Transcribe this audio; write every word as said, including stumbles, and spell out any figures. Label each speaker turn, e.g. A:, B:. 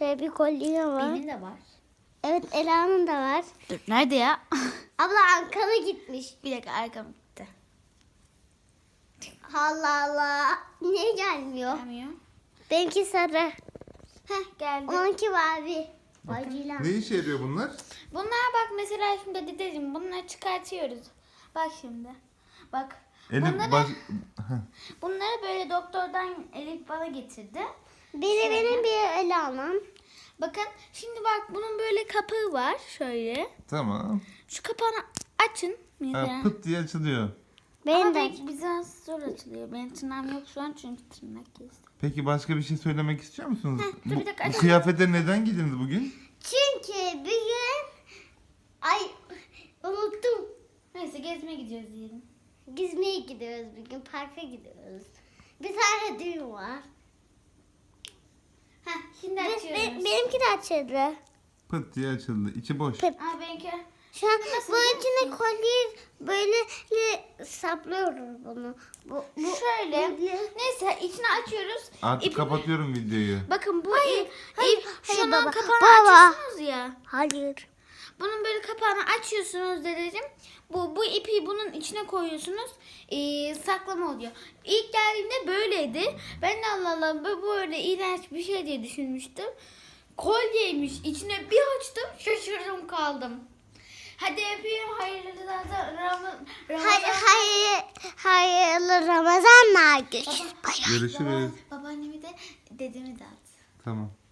A: Şöyle bir kolye var.
B: Benim de var.
A: Evet, Ela'nın da var.
B: Dur nerede ya?
A: Abla Ankara gitmiş.
B: Bir dakika arkam gitti.
A: Allah Allah. Niye gelmiyor?
B: Gelmiyor.
A: Benimki sarı.
B: Heh geldi.
A: Onunki mavi. Acıyla.
C: Ne işe yarıyor bunlar?
B: Bunlar bak mesela şimdi dedeciğim bunları çıkartıyoruz. Bak şimdi. Bak.
C: Elif
B: bunları,
C: baş...
B: bunları böyle doktordan Elif bana getirdi.
A: Biri benim, biri Ela'nın.
B: Bakın şimdi bak bunun böyle kapağı var şöyle.
C: Tamam.
B: Şu kapağını açın. Mesela.
C: Ha, pıt diye açılıyor.
A: Benim
B: Ama
A: de.
B: belki biraz zor açılıyor. Benim tırnağım yok şu an çünkü tırnak kestim.
C: Peki başka bir şey söylemek istiyor musunuz?
B: Heh, dur bir dakika,
C: bu, bu
B: açalım.
C: kıyafete neden giydiniz bugün?
A: Çünkü bugün... Ay unuttum.
B: Neyse gezmeye gidiyoruz diyelim.
A: Gezmeye gidiyoruz bugün. Parka gidiyoruz. Bir tane düğün var.
B: Heh şimdi
A: Be-
B: açıyoruz.
A: be- benimki de açıldı.
C: Pıt diye açıldı. İçi boş.
A: Pıt.
B: Aa benimki.
A: Şu an
B: Nasıl
A: bu
B: biliyor
A: içine
B: musun?
A: kolye böyle saplıyoruz bunu. Bu, bu
B: Şöyle.
A: böyle.
B: Neyse içini açıyoruz.
C: Artık
B: İpi-
C: kapatıyorum videoyu.
B: Bakın bu
A: Hayır,
B: ip,
A: hayır,
B: ip
A: hayır
B: şunun
A: baba.
B: kapağını
A: Baba.
B: açıyorsunuz ya.
A: Hayır.
B: Bunun böyle kapağını açıyorsunuz dedeciğim. Bu bu ipi bunun içine koyuyorsunuz. Ee, saklama oluyor. İlk geldiğimde böyleydi. Ben de Allah Allah bu böyle iğrenç bir şey diye düşünmüştüm. Kolyeymiş. İçine bir açtım şaşırdım kaldım. Hadi öpeyim. Hayırlı Ramazan. Ramazan.
A: Hayır, hayır, hayırlı Ramazanlar. Görüşürüz.
B: Baba-
C: Görüşürüz.
B: Baba, babaannemi de dedemi de at.
C: Tamam.